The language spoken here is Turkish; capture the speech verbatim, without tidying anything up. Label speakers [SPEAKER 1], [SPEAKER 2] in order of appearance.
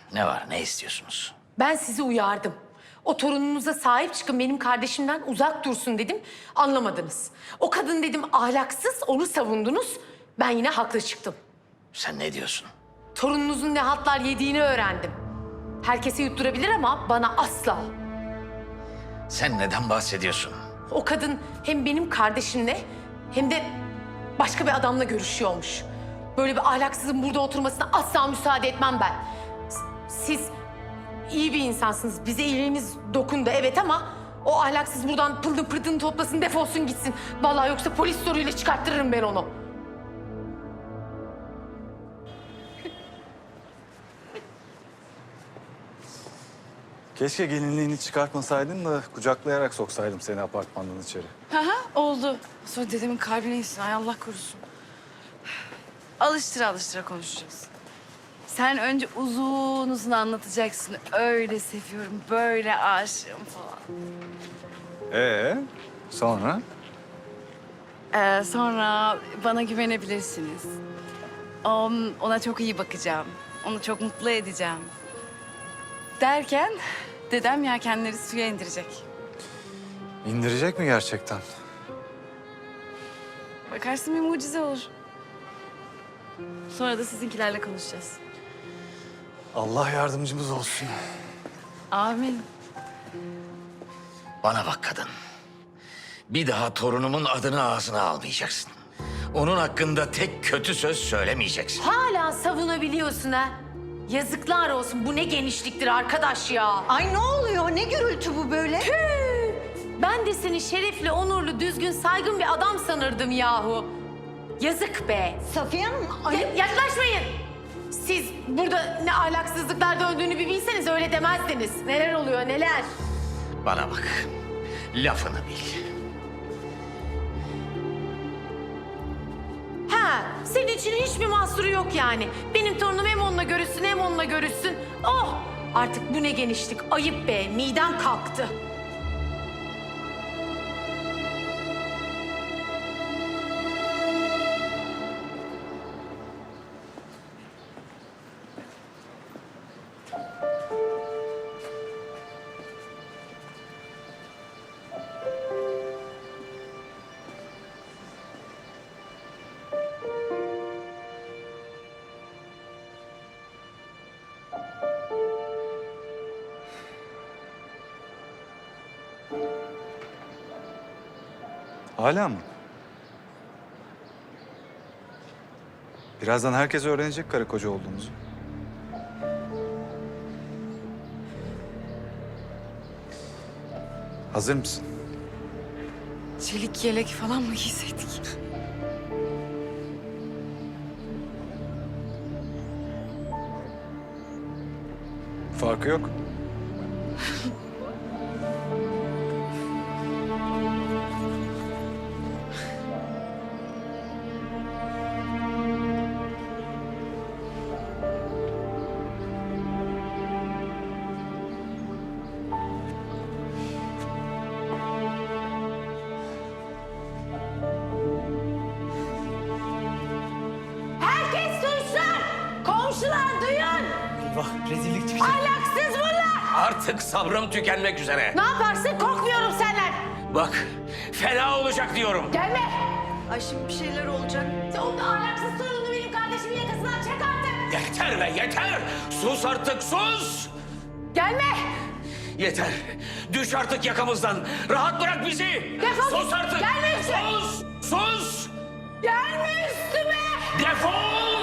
[SPEAKER 1] Ne var, ne istiyorsunuz?
[SPEAKER 2] Ben sizi uyardım. O torununuza sahip çıkın, benim kardeşimden uzak dursun dedim. Anlamadınız. O kadın dedim ahlaksız, onu savundunuz. Ben yine haklı çıktım.
[SPEAKER 1] Sen ne diyorsun?
[SPEAKER 2] Torununuzun ne hatlar yediğini öğrendim. Herkese yutturabilir ama bana asla.
[SPEAKER 1] Sen neden bahsediyorsun?
[SPEAKER 2] O kadın hem benim kardeşimle hem de başka bir adamla görüşüyormuş. Böyle bir ahlaksızın burada oturmasına asla müsaade etmem ben. S- Siz iyi bir insansınız. Bize iyiliğiniz dokundu evet ama o ahlaksız buradan pıldı pırtını toplasın, defolsun gitsin. Vallahi yoksa polis soruyla çıkarttırırım ben onu.
[SPEAKER 3] Keşke gelinliğini çıkartmasaydın da kucaklayarak soksaydım seni apartmandan içeri.
[SPEAKER 4] Hı hı, oldu. Sonra dedemin kalbine insin. Ay Allah korusun. Alıştıra alıştıra konuşacağız. Sen önce uzun uzun anlatacaksın. Öyle seviyorum, böyle aşığım falan.
[SPEAKER 3] Ee, sonra?
[SPEAKER 4] Ee, sonra bana güvenebilirsiniz. On, ona çok iyi bakacağım. Onu çok mutlu edeceğim. Derken dedem yelkenleri suya indirecek.
[SPEAKER 3] İndirecek mi gerçekten?
[SPEAKER 4] Bakarsın bir mucize olur. Sonra da sizinkilerle konuşacağız.
[SPEAKER 3] Allah yardımcımız olsun.
[SPEAKER 4] Amin.
[SPEAKER 1] Bana bak kadın. Bir daha torunumun adını ağzına almayacaksın. Onun hakkında tek kötü söz söylemeyeceksin.
[SPEAKER 2] Hala savunabiliyorsun ha. Yazıklar olsun. Bu ne genişliktir arkadaş ya.
[SPEAKER 5] Ay ne oluyor? Ne gürültü bu böyle?
[SPEAKER 2] Tüh! Ben de seni şerefli, onurlu, düzgün, saygın bir adam sanırdım yahu. Yazık be.
[SPEAKER 5] Safiye Hanım, ay...
[SPEAKER 2] Ya- yaklaşmayın. Siz burada ne ahlaksızlıklar döndüğünü bir bilseniz öyle demezdiniz. Neler oluyor neler?
[SPEAKER 1] Bana bak. Lafını bil.
[SPEAKER 2] Ha, senin için hiçbir mahsuru yok yani. Benim torunum hem onunla görüşsün hem onunla görüşsün. Oh! Artık bu ne genişlik. Ayıp be. Midem kalktı.
[SPEAKER 3] Hala mı? Birazdan herkes öğrenecek karı koca olduğumuzu. Hazır mısın?
[SPEAKER 4] Çelik yelek falan mı giyseydik?
[SPEAKER 3] Farkı yok.
[SPEAKER 2] Herkes duysun! Komşular duyun!
[SPEAKER 6] Eyvah rezillik çıkacak.
[SPEAKER 2] Ahlaksız bunlar!
[SPEAKER 1] Artık sabrım tükenmek üzere.
[SPEAKER 2] Ne yaparsın? Korkmuyorum senden.
[SPEAKER 1] Bak, fena olacak diyorum.
[SPEAKER 2] Gelme!
[SPEAKER 5] Ay şimdi bir şeyler olacak.
[SPEAKER 2] O da ahlaksız torununu benim kardeşimin yakasından çek artık!
[SPEAKER 1] Yeter be, yeter! Sus artık, sus!
[SPEAKER 2] Gelme!
[SPEAKER 1] Yeter! Düş artık yakamızdan! Rahat bırak bizi!
[SPEAKER 2] Defol
[SPEAKER 1] Sus
[SPEAKER 2] git!
[SPEAKER 1] artık!
[SPEAKER 2] Gelme üstüme!
[SPEAKER 1] Sus! Sus!
[SPEAKER 2] Gelme üstüme!
[SPEAKER 1] Defol!